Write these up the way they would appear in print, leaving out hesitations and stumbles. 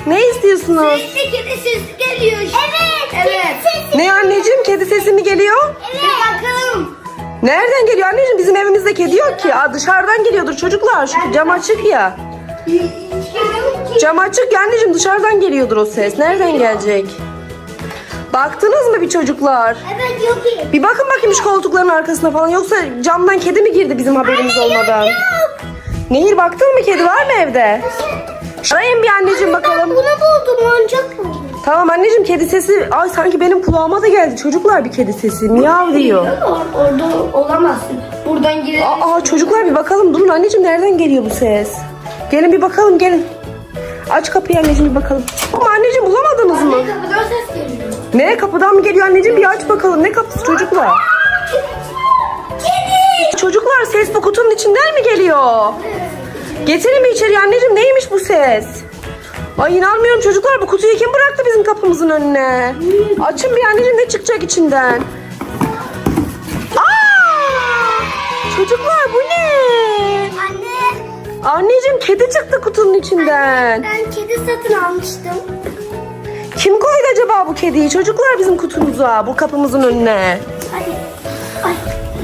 Ne istiyorsunuz? Sürekli kedi sesi geliyor. Evet. Evet. Ne anneciğim, kedi sesi mi geliyor? Evet. Bir bakalım. Nereden geliyor anneciğim? Bizim evimizde kedi yok ki. Aa, dışarıdan geliyordur çocuklar. Şu cam açık ya. Cam açık ya anneciğim, dışarıdan geliyordur o ses. Nereden gelecek? Baktınız mı bir çocuklar? Evet yok ki. Bir bakın bakayım şu koltukların arkasına falan. Yoksa camdan kedi mi girdi bizim haberimiz olmadan? Yok. Nehir, baktın mı kedi var mı evde? Arayın bir anneciğim bakalım. Bunu buldum, oyuncak buldum. Tamam anneciğim, kedi sesi. Ay sanki benim kulağıma da geldi çocuklar bir kedi sesi. Miyav diyor. Orada olamazsın. Buradan girelim. Aa çocuklar bir bakalım. Durun anneciğim, nereden geliyor bu ses? Gelin bir bakalım, gelin. Aç kapıyı anneciğim, bir bakalım. Ama anneciğim bulamadınız mı? Kapıdan ses geliyor. Ne, kapıdan mı geliyor anneciğim? Bir aç bakalım. Ne kapısı çocuklar? Kedi. Çocuklar, ses bu kutunun içinden mi geliyor? Getirin mi içeri anneciğim? Neymiş bu ses? Ay inanmıyorum çocuklar, bu kutuyu kim bıraktı bizim kapımızın önüne? Açın bir anneciğim, ne çıkacak içinden? Aa! Çocuklar bu ne? Anne. Anneciğim, kedi çıktı kutunun içinden. Ben kedi satın almıştım. Kim koydu acaba bu kediyi çocuklar bizim kutumuza, bu kapımızın önüne? Hadi. Ay.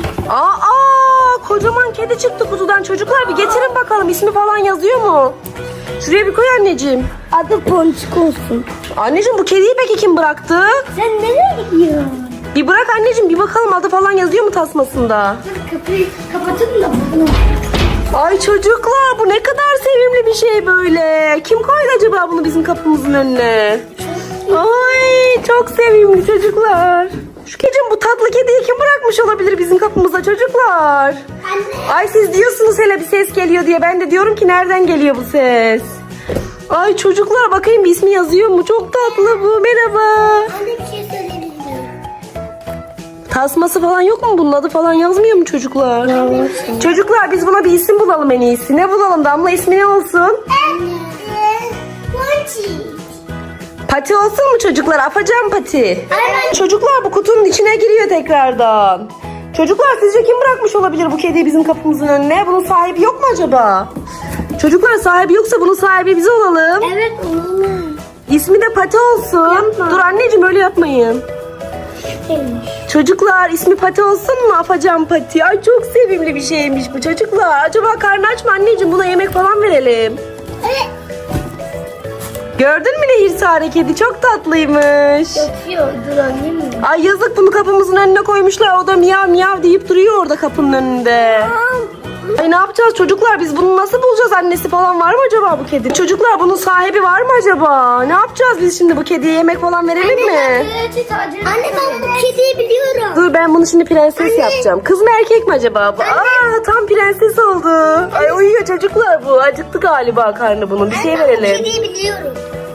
Aa, kocaman kedi çıktı kutudan çocuklar, bir getirin bakalım, ismi falan yazıyor mu? Şuraya bir koy anneciğim. Adı Ponçik olsun. Anneciğim, bu kediyi peki kim bıraktı? Sen nereye gidiyorsun? Bir bırak anneciğim, bir bakalım adı falan yazıyor mu tasmasında? Dur, kapıyı kapatın da bunu. Ay çocuklar, bu ne kadar sevimli bir şey böyle. Kim koydu acaba bunu bizim kapımızın önüne? Ay çok sevimli çocuklar. Şu bu tatlı kediyi kim bırakmış olabilir bizim kapımıza çocuklar? Anne. Ay siz diyorsunuz hele bir ses geliyor diye. Ben de diyorum ki nereden geliyor bu ses? Ay çocuklar, bakayım bir ismi yazıyor mu? Çok tatlı bu. Merhaba. Anne bir şey söyleyebilir miyim? Tasması falan yok mu? Bunun adı falan yazmıyor mu çocuklar? Çocuklar, biz buna bir isim bulalım en iyisi. Ne bulalım Damla, ismi ne olsun? Anne. Ponçik. Pati olsun mu çocuklar? Afacan Pati. Aynen. Çocuklar, bu kutunun içine giriyor tekrardan. Çocuklar, sizce kim bırakmış olabilir bu kediyi bizim kapımızın önüne? Bunun sahibi yok mu acaba? Çocuklar, sahibi yoksa bunun sahibi biz olalım. Evet oğlum. İsmi de Pati olsun. Yapma. Dur anneciğim, öyle yapmayın. Çocuklar, ismi Pati olsun mu? Afacan Pati. Ay çok sevimli bir şeymiş bu çocuklar. Acaba karnı aç mı anneciğim? Buna yemek falan verelim. Evet. Gördün mü Nehir Sare, kedi çok tatlıymış. Yatıyor. Dur annem mi? Ay yazık, bunu kapımızın önüne koymuşlar. O da miyav miyav deyip duruyor orada kapının önünde. Ay ne yapacağız çocuklar, biz bunu nasıl bulacağız? Annesi falan var mı acaba bu kedi? Çocuklar, bunun sahibi var mı acaba? Ne yapacağız biz şimdi, bu kediye yemek falan verelim mi? Anne ben bu kediyi biliyorum. Dur, ben bunu şimdi prenses yapacağım. Kız mı erkek mi acaba bu? Aa, tam prenses oldu. Ay uyuyor çocuklar bu. Acıktı galiba karnı bunun. Bir şey Ben bu verelim. kediyi biliyorum.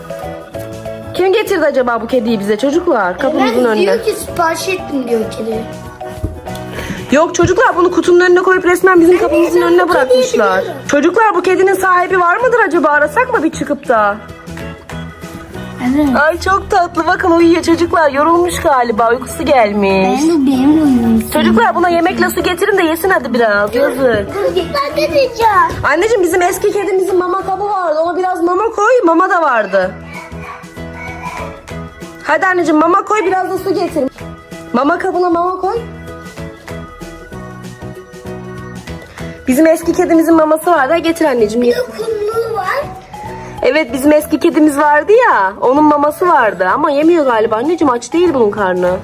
Kim getirdi acaba bu kediyi bize çocuklar? Kapımızın önüne. Diyor ki sipariş ettim diyor kedi. Yok çocuklar, bunu kutunun önüne koyup resmen bizim kapımızın ben önüne bu kediyi bırakmışlar. biliyorum. Çocuklar, bu kedinin sahibi var mıdır acaba? Arasak mı bir çıkıp da? Evet. Ay çok tatlı, bakın uyuyor çocuklar. Yorulmuş galiba, uykusu gelmiş. Benim oyunum. Çocuklar, buna yemekle su getirin de yesin hadi biraz. Yazık. Ben de diyeceğim. Anneciğim, bizim eski kedimizin mama kabı vardı. Ona biraz mama koy. Mama da vardı. Hadi anneciğim, mama koy, biraz da su getir. Mama kabına mama koy. Bizim eski kedimizin maması vardı. Ha, getir anneciğim. Bir de kumlu var. Evet, bizim eski kedimiz vardı ya. Onun maması vardı ama yemiyor galiba. Anneciğim, aç değil bunun karnı.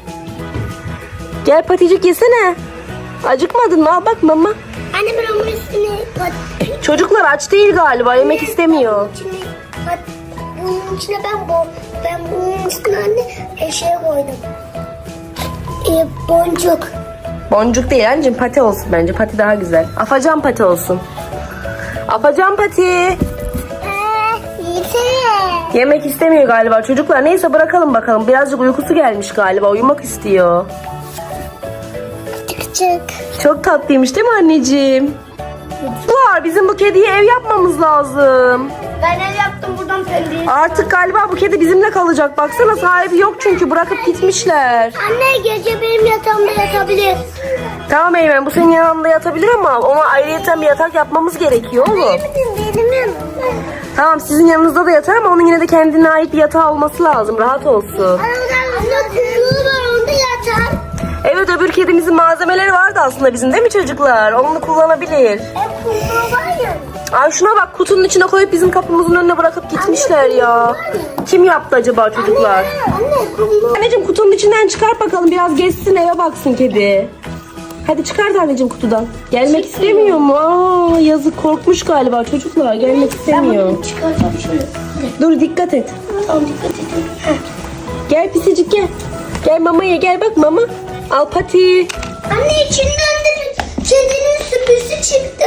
Gel Paticik, yesene. Acıkmadın mı? Al bak mama. Anne ben onun üstüne Çocuklar aç değil galiba. Yemek istemiyor. Bunun içine ben bunun üstüne anne şey koydum. Boncuk. Boncuk değil anneciğim, Pati olsun bence. Pati daha güzel. Afacan Pati olsun. Afacan Pati. Yeter. Yemek istemiyor galiba çocuklar. Neyse, bırakalım bakalım. Birazcık uykusu gelmiş galiba. Uyumak istiyor. Çık çık. Çok tatlıymış değil mi anneciğim? Çocuklar, bizim bu kediye ev yapmamız lazım. Ben ev yaptım buradan pencereyi. Artık galiba bu kedi bizimle kalacak. Baksana, sahibi yok çünkü, bırakıp gitmişler. Anne gece benim yatağımda yatabilir. Tamam Eymen, bu senin yanında yatabilir ama ona ayrıyeten bir yatak yapmamız gerekiyor oğlum. Benim yanımda. Tamam sizin yanınızda da yatar ama onun yine de kendine ait bir yatağı olması lazım. Rahat olsun. Anne kuyruğu var onda yatar. Evet öbür kedimizin malzemeleri vardı aslında bizim değil mi çocuklar? Onu kullanabilir. Kuyruğu var ya. Ay şuna bak kutunun içine koyup bizim kapımızın önüne bırakıp gitmişler ya. Kim yaptı acaba çocuklar? Anne kuyruğu. Anneciğim kutunun içinden çıkart bakalım biraz gezsin eve baksın kedi. Hadi çıkart anneciğim kutudan. Gelmek istemiyor mu? Aa, yazık korkmuş galiba çocuklar gelmek istemiyor. Çıkartalım şöyle. Dur dikkat et. Tamam dikkat edin. Gel pisicik gel. Gel mamaya gel bak mama. Al pati. Anne içinden de kedinin süpüsü çıktı.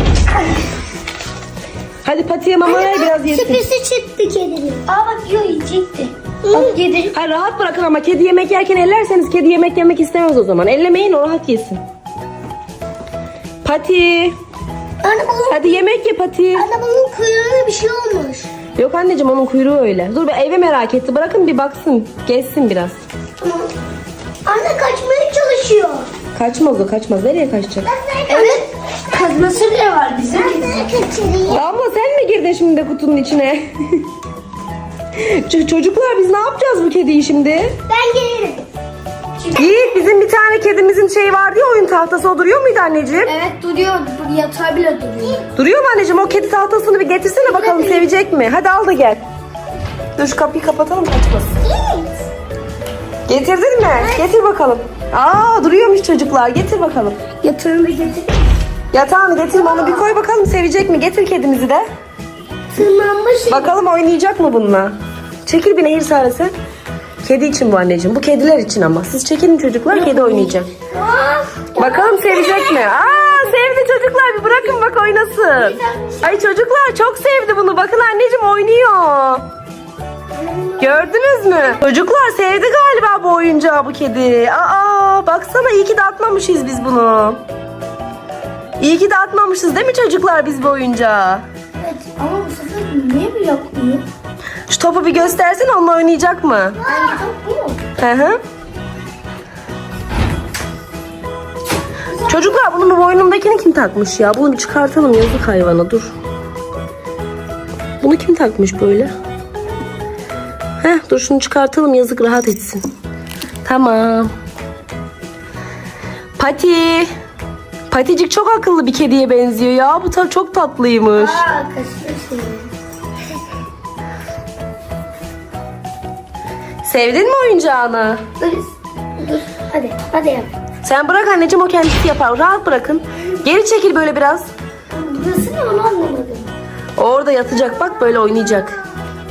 Hadi patiye mama ver biraz yesin. Süpüsü çıktı kedinin. Aa bak yiyor yiyecekti. Bak yedi. Ha, rahat bırakın ama kedi yemek yerken ellerseniz kedi yemek yemek istemez o zaman. Ellemeyin o rahat yesin. Pati. Anne bunun, Hadi yemek ye Pati. anne bunun kuyruğuna bir şey olmuş. Yok anneciğim onun kuyruğu öyle. Dur eve merak etti. Bırakın bir baksın. Gezsin biraz. Anne kaçmaya çalışıyor. Kaçmaz o kaçmaz. Nereye kaçacak? Evet. Kazması bile var bizim. Ben sana kaçırayım. Abla sen mi girdin şimdi de kutunun içine? Çocuklar biz ne yapacağız bu kediyi şimdi? Ben gelirim. Yiğit bizim bir tane kedimizin şeyi vardı ya oyun tahtası o duruyor muydu anneciğim? Evet duruyor. Yatağı bile duruyor. Duruyor mu anneciğim? O kedi tahtasını bir getirsene bakalım sevecek mi? Hadi al da gel. Dur şu kapıyı kapatalım kaçmasın. Getirdin mi? Getir bakalım. Aa duruyormuş çocuklar. Getir bakalım. Yatağını getir. Yatağını getirme onu bir koy bakalım sevecek mi? Getir kedimizi de. Tırmanmış. Bakalım oynayacak mı bununla? Çekil bir nehir sarısı. Kedi için bu anneciğim. Bu kediler için ama. Siz çekilin çocuklar kedi oynayacak. Bakalım sevecek mi? Aa sevdi çocuklar bir bırakın bak oynasın. Ay çocuklar çok sevdi bunu. Bakın anneciğim oynuyor. Gördünüz mü? Çocuklar sevdi galiba bu oyuncağı bu kedi. Aa baksana iyi ki de atmamışız biz bunu. İyi ki de atmamışız değil mi çocuklar biz bu oyuncağı? Evet ama bu sefer niye bir yapmıyor? Şu topu bir göstersene onunla oynayacak mı? Hangi top bu mu? Hı hı. Çocuklar bunun bu boynundakini kim takmış ya? Bunu bir çıkartalım yazık hayvana dur. Bunu kim takmış böyle? Dur şunu çıkartalım yazık rahat etsin. Tamam. Pati. Paticik çok akıllı bir kediye benziyor ya. Bu çok tatlıymış. Aa kaçmışsın. Sevdin mi oyuncağını? Dur. Hadi yap. Sen bırak anneciğim o kendisi yapar. Rahat bırakın. Geri çekil böyle biraz. Burası ne onu anlamadım. Orada yatacak bak böyle oynayacak.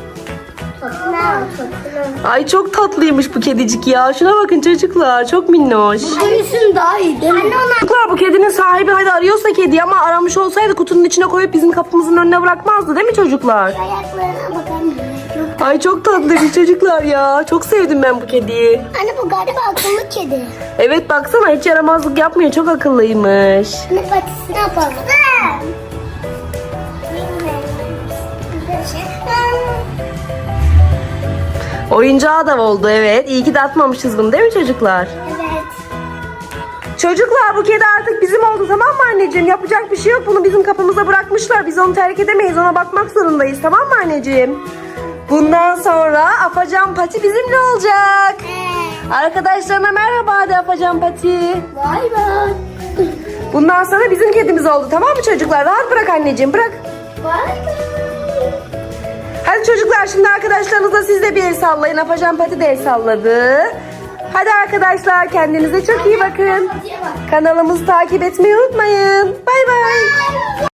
Ay çok tatlıymış bu kedicik ya. Şuna bakın çocuklar çok minnoş. Hangisi daha iyi değil mi? Anne ona. Çocuklar bu kedinin sahibi hadi arıyorsa kedi ama aramış olsaydı kutunun içine koyup bizim kapımızın önüne bırakmazdı değil mi çocuklar? Ayaklarına bak anne. Ay çok tatlıymış çocuklar ya. Çok sevdim ben bu kediyi. Anne bu galiba akıllı kedi. Evet baksana hiç yaramazlık yapmıyor. Çok akıllıymış. Anne patisini yapalım. Oyuncağı da oldu evet. İyi ki de atmamışız bunu değil mi çocuklar? Evet. Çocuklar bu kedi artık bizim oldu tamam mı anneciğim? Yapacak bir şey yok. Bunu bizim kapımıza bırakmışlar. Biz onu terk edemeyiz. Ona bakmak zorundayız tamam mı anneciğim? Bundan sonra Afacan Pati bizimle olacak. Arkadaşlarına merhaba de Afacan Pati. Bay bay. Bundan sonra bizim kedimiz oldu tamam mı çocuklar? Rahat bırak anneciğim bırak. Bay bay. Hadi çocuklar şimdi arkadaşlarınızla siz de bir el sallayın. Afacan Pati de el salladı. Hadi arkadaşlar kendinize çok iyi bakın. Kanalımızı takip etmeyi unutmayın. Bay bay.